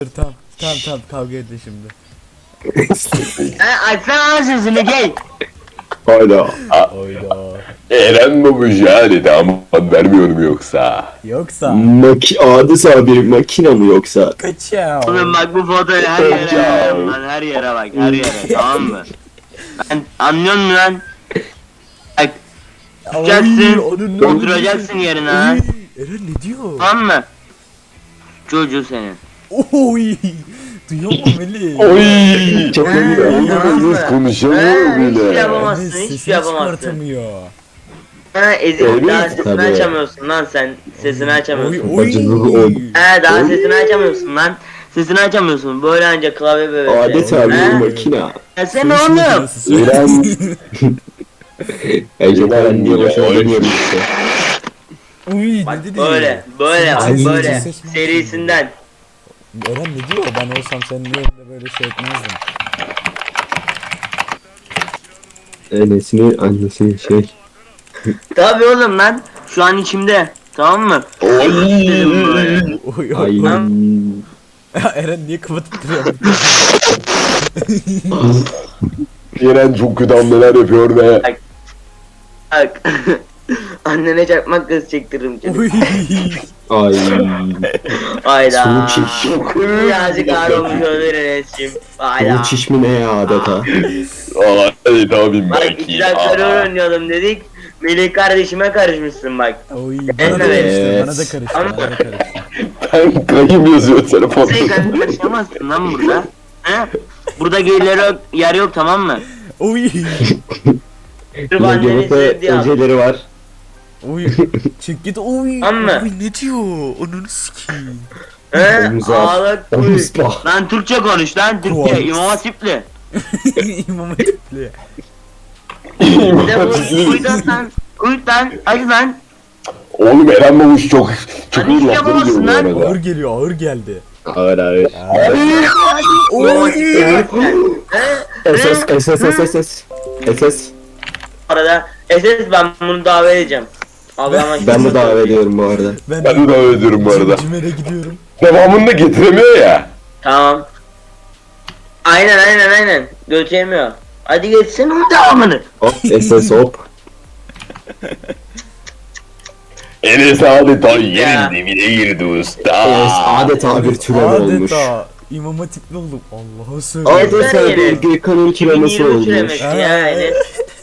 Tamam kavga edin şimdi. Açsana lan sesini gel. Hayda. Oyda. Eren babuş yani damat vermiyor mu yoksa? Yoksa Adeta bir makine mi yoksa? kaçav. Oğlum bak bu fotoğrafı her yere yayarım lan, her yere bak, her yere, tamam mı? Ben anlıyor musun lan? Bak, tutacaksın, oturacaksın yerine ha. Eren ne diyor? Tamam mı? Çocuğu senin. Oy. Duyuyor musun Melih? Oy çok iyi. tamam mı? Oğlum konuşamıyor Hiçbir şey bile. yapamazsın, Enes hiçbir sesini şey yapamazsın. çıkartamıyor. Ha ezik, Evet, daha sesini tabii. açamıyorsun lan sen, sesini açamıyorsun. Oy. Bacını oy. He daha sesini açamıyorsun lan. Sesini açamıyorsun, böyle anca klavye böyle. Adeta bir He? makine. Ya sen oğlum. Eren. Eren diye boşuna demiyorum işte. Uy Bak ne dedi? böyle bak Ay, böyle ses mi? serisinden. Eren ne diyor? Ben olsam senin yerinde böyle şey etmezdim. Enes'in annesinin şey. Tabii oğlum lan şu an içimde, tamam mı? Dedim böyle. Oy Ay. oy. Eren niye kapatıp duruyor? Eren çok kötü hamleler yapıyor ve Bak. Annene çakmak kız çektiririm seni. Oy. ay. Hayda. Sulu çiş. Birazcık ağır olmuş olabilir Enes'cim. Hayda. Sulu çiş mi ne ya adeta? Ay tabii Bak güzel terör oynayalım dedik. Melih kardeşime karışmışsın bak. Oy. Bana da Evet. karıştı. Bana da karıştı. Ben kayım yazıyor telefonda. Sen kendin karışamazsın lan burada. He? Burada geylere yer yok, tamam mı? Oy. Sırf anneni sevdiği al. Öceleri var. Oy. Çık git. Oy. Tamam mı? Oy ne diyor? Onu sikeyim. He? Omuz al. Ağlak kuy. Omuz bak. Lan Türkçe konuş lan, Türkçe. Konuş. İmam Hatipli. İmam Hatipli. Bir de bu kuyudan lan. Kuyudan. Hadi lan. Oğlum Eren babuş çok Hani iyi hiç lafları yapamazsın gibi bu lan. arada. Ağır geliyor. Ağır geldi. Ağır ağır. İmam Hatipli. He? SS. Bu arada SS ben bunu davet edeceğim. Allah'ıma Ben de davet ediyorum bu arada. Ben Ben de davet ediyorum bu arada. Cimer'e gidiyorum. Devamını da getiremiyor ya. Tamam. Aynen. Götüremiyor. Hadi geçsin onun devamını. Hop SS hop. Enes adeta yerin dibine girdi usta. Enes adeta bir türev olmuş. Adeta İmam Hatipli oldum. Allah'a Evet. söyleyeyim. Adeta bir Gökhan'ın türemesi 2020 olmuş. türemesi ya Enes.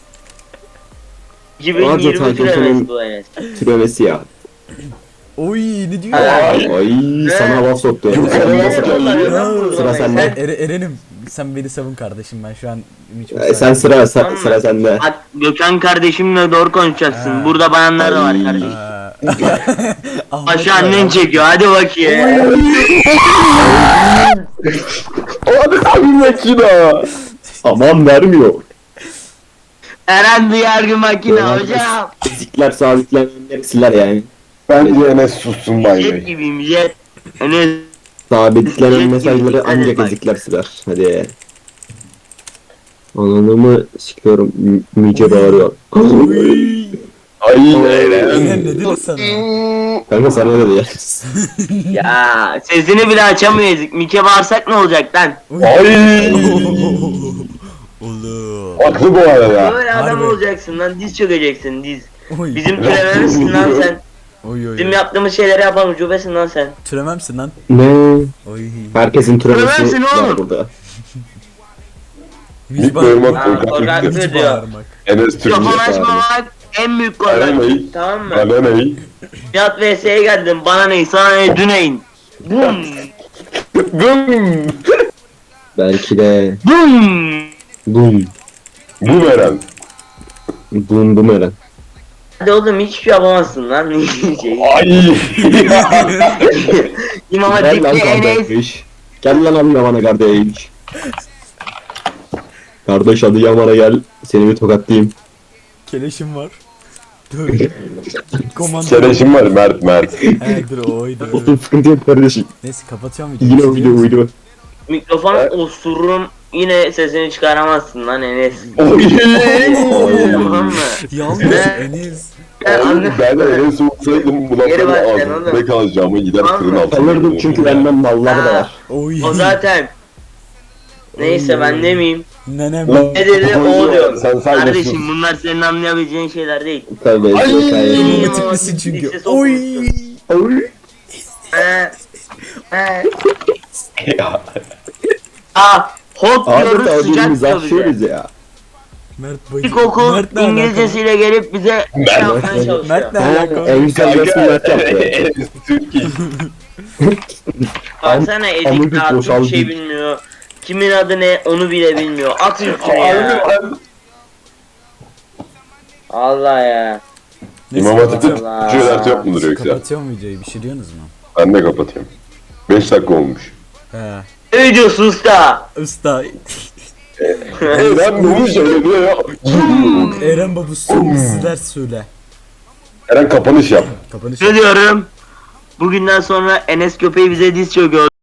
2020 Adeta türemesi Gökhan'ın bu Enes. türemesi ya. Oy ne diyor? Ay. Ay sana laf soktu. Sıra sende. Eren'im sen beni savun kardeşim, ben şu an Sen sıra sende. Bak Gökhan kardeşimle doğru konuşacaksın. Burada bayanlar da var Ay. kardeşim. Ahmet Başı var. annen çekiyor, hadi bakayım. Adeta bir makina. Aman vermiyor. Eren duyargı makine hocam. Fizikler sabitlenenleri siler yani. Bence Enes sussun Jet gibiyim jet. Enes Sabitlenen Jet mesajları gibi, ancak bak. ezikler siler. Hadi. Ananımı sikiyorum. Müce bağırıyor. Ay Eren ne dedi sana? Kanka sana ne dedi ya? ya sesini bile açamıyor ezik. Mike bağırsak ne olacak lan? Ay. Oğlum. Haklı bu arada. Böyle adam Harbi. olacaksın lan, diz çökeceksin diz. Oy. Bizim türememizsin lan sen. Oy oy. Bizim yaptığımız şeyleri yapan ucubesin lan sen. Türememsin lan. Ne? Oy. Herkesin türemesi Türemezsin var oğlum. burada. Müzik bağırmak, bağırmak. korkak Müzik diyor. bağırmak. Enes Mikrofon açmamak en büyük korkak. Aramayın. Tamam mı? Bana ne? Nihat vs'ye geldim. Bana ne? Sana ne? Düneyin. Bum. Bum. Belki de Bum. bum. Bum Eren. Bum Eren. Hadi oğlum hiçbir şey yapamazsın lan. şey. Ay. İmam Gel lan Hatip'te Enes. kardeş. Gel lan Adıyaman'a kardeş. Kardeş Adıyaman'a gel. Seni bir tokatlayayım. Keleşim var. Dur. Komando. Sereşim var Mert. He dur oydu. Otur sıkıntı yok kardeşim. Neyse kapatıyorum videoyu. Yine video uydu. Mikrofon osururum. Yine sesini çıkaramazsın lan Enes. Oy. Tamam mı? Yalnız Enes. Ben Enes olsaydım bu Geri lafları bak sen ağzımda oğlum. kalacağımı gider Tamam fırın mı? altına. Alırdım çünkü benden malları da var. Oy. O zaten. Neyse ben demeyeyim. Nenem. Lan, Ne dedi o diyor. Sen Kardeşim bunlar senin anlayabileceğin şeyler değil. Tabii. Ay! Ay. Mama tiplisin çünkü. Lisesi Oy. okumuşsun. He. He. Ya. Hop Abi diyoruz tabii sıcak biz diyor bize. aşıyoruz ya. Mert bacı. İlkokul Mert ne alaka? İngilizcesiyle gelip bize Mert- yapmaya çalışıyor. Mert ne Ha, alaka? en güzel resmi Mert yaptı. Enes Türkiye. Baksana Edik Amıcık daha boşaldı. Türkçe bilmiyor. Kimin adı ne onu bile bilmiyor. At üstüne ya. Allah ya. Neyse, İmam Hatip'te Allah. Türkçe ders yok mudur yoksa? kapatıyorum videoyu. Bir şey diyorsunuz mu? Ben de kapatıyorum. 5 dakika olmuş. He. Ne diyorsun usta? Usta. Eren bunu söylüyor ya. Eren babu son sizler söyle. Eren kapanış yap. Kapanış. Ne diyorum? Bugünden sonra Enes köpeği bize diz çöküyor.